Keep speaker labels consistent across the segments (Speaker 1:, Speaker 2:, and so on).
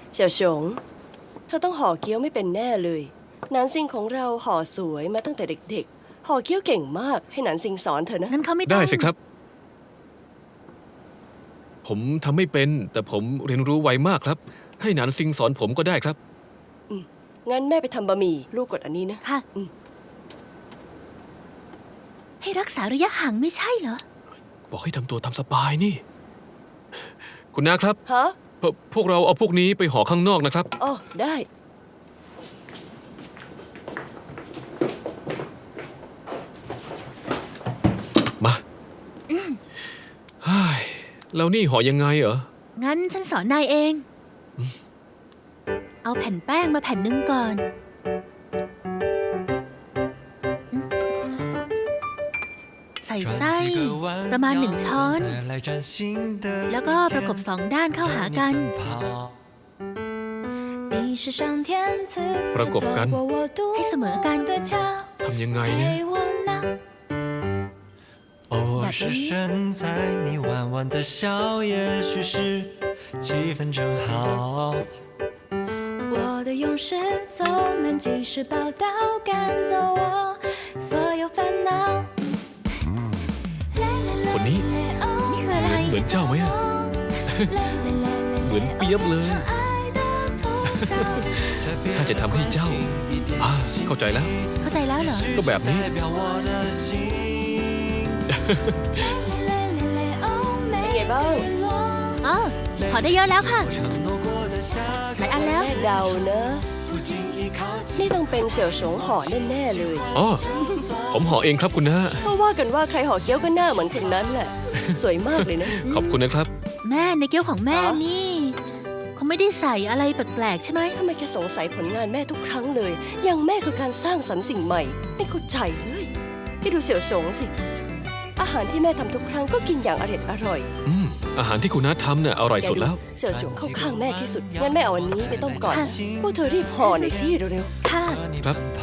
Speaker 1: เสี่ยวฉงเธอต้องห่อเกี๊ยวไม่เป็นแน่เลยหนานซิงของเราห่อสวยมาตั้งแต่เด็กๆห่อเกี๊ยวเก่งมากให้หนานซิงสอนเธอนะ
Speaker 2: งั้นเขาไม่ต้อง
Speaker 3: ได้สิครับ ผมทำไม่เป็นแต่ผมเรียนรู้ไวมากครับ ให้หนานซิงสอนผมก็ได้ครับ
Speaker 1: งั้นแม่ไปทำบะหมี่ลูกกดอันนี้นะ
Speaker 2: ค่ะ ให้รักษาระยะห่างไม่ใช่เหรอ
Speaker 3: บอกให้ทำตัวตามสบายนี่ คุณน้าครับ
Speaker 1: ฮะ
Speaker 3: พวกเราเอาพวกนี้ไปห่อข้างนอกนะครับ
Speaker 1: อ๋อได้
Speaker 3: มาเฮ้ยแล้วนี่ห่อยังไงเหรอ
Speaker 2: งั้นฉันสอนนายเอง เอาแผ่นแป้งมาแผ่นหนึ่งก่อน ใส่ไส้ประมาณ1 ช้อน แล้วก็ประกบ2 ด้านเข้าหากัน
Speaker 3: ประกบกัน
Speaker 2: ให้เสมอกัน
Speaker 3: ทำยังไงเนี่ย
Speaker 4: 偶尔是身在你弯弯的笑，也许是气氛正好。
Speaker 5: 我的勇士总能及时报道，赶走我所有烦恼。
Speaker 3: คนนี้
Speaker 2: นี่คืออะไร
Speaker 3: เหมือนเจ้าไหมอะเหมือนเปียบเลย ถ้าจะทำให้เจ้าเข้าใจแล้ว
Speaker 2: เข้าใจแล้วเหรอ
Speaker 3: ก็แบบนี้
Speaker 4: 代表我的心。
Speaker 1: เป็นไงบ้าง
Speaker 2: อ๋อขอได้เยอะแล้วค่ะ
Speaker 4: 承诺过的下
Speaker 2: หลายอันแล้ว
Speaker 1: แม่เดานะ
Speaker 4: 不经意靠近。
Speaker 1: นี่ต้องเป็นเสี่ยวฉงห่อแน่ๆเลย
Speaker 3: อ๋อ ผมห่อเองครับคุณน้า
Speaker 1: เพราะว่ากันว่าใครห่อเกี๊ยวก็หน้าเหมือนคนนั้นแหละ สวยมากเลยนะ
Speaker 3: ขอบคุณนะครับ
Speaker 2: แม่ในเกี๊ยวของแม่
Speaker 1: อ๋อ
Speaker 2: นี่เขาไม่ได้ใส่อะไรแปลกๆใช่ไหม
Speaker 1: ทำไมแกสงสัยผลงานแม่ทุกครั้งเลยอย่างแม่คือการสร้างสรรค์สิ่งใหม่ไม่เข้าใจเลยที่ดูเสี่ยวฉงสิ อาหารที่แม่ทำทุกครั้งก็กินอย่างอร่อย
Speaker 3: อาหารที่คุณน้าทำเนี่ยอร่อย
Speaker 1: แก
Speaker 3: สุด
Speaker 1: ดู
Speaker 3: แล้ว
Speaker 1: เสี่ยวฉงเข้าข้างแม่ที่สุดงั้นแม่เอาอันนี้ไปต้มก่อนพวกเธอรีบห่อหน่อยสิเร็ว
Speaker 2: ค่ะ
Speaker 4: 和你
Speaker 3: ครับ
Speaker 4: 奔跑。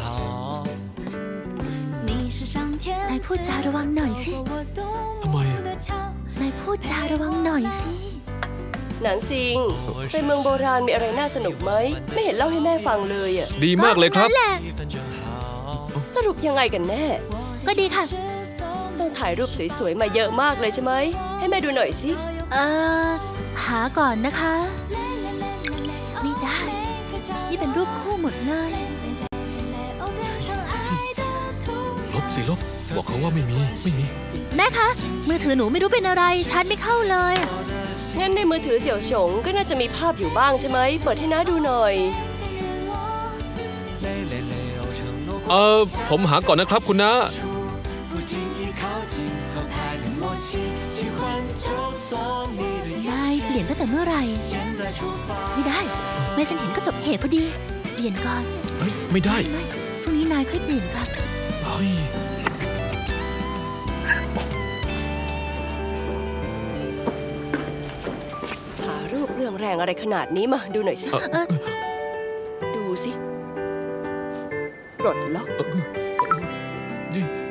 Speaker 5: 你是上天
Speaker 2: นายพูดจาระวังหน่อยสิ
Speaker 3: ทำไมอะ
Speaker 2: นายพูดจาระวังหน่อยสิ
Speaker 1: ๆหนานซิงไปเมืองโบราณมีอะไรน่าสนุกไหมไม่เห็นเล่าให้แม่ฟังเลยอะ
Speaker 3: ดีมากเลยครับ
Speaker 2: นั่นแหละ
Speaker 4: 气氛正好。
Speaker 1: สรุปยังไงกันแน่
Speaker 2: ก็ดีค่ะ
Speaker 1: ต้องถ่ายรูปสวยๆมาเยอะมากเลยใช่ไหมให้แม่ดูหน่อยสิ
Speaker 2: หาก่อนนะคะ ไม่ได้ นี่เป็นรูปคู่หมดเลย
Speaker 3: ลบสิลบ บอกเขาว่าไม่มี
Speaker 2: แม่คะ มือถือหนูไม่รู้เป็นอะไรชาร์จไม่เข้าเลย
Speaker 1: งั้นในมือถือเสี่ยวฉงก็น่าจะมีภาพอยู่บ้างใช่ไหมเปิดให้น้าดูหน่อย
Speaker 4: 累累累，哦，承诺过
Speaker 3: ผมหาก่อนนะครับคุณน้า
Speaker 4: 不经意靠近，合拍的默契，喜欢就做你的
Speaker 2: นายเปลี่ยนตั้งแต่เมื่อไหร่
Speaker 4: 现在出发。
Speaker 2: ไม่ได้ แม่ฉันเห็นก็จบเหตุพอดี เปลี่ยนก่อน
Speaker 3: เฮ้ย ไม่ได้
Speaker 2: ไม่พรุ่งนี้นายค่อยเปลี่ยนครับ
Speaker 3: เฮ้ย
Speaker 1: หารูปเรื่องแรงอะไรขนาดนี้มาดูหน่อยสิ ดูสิปลดล็อก
Speaker 3: นี่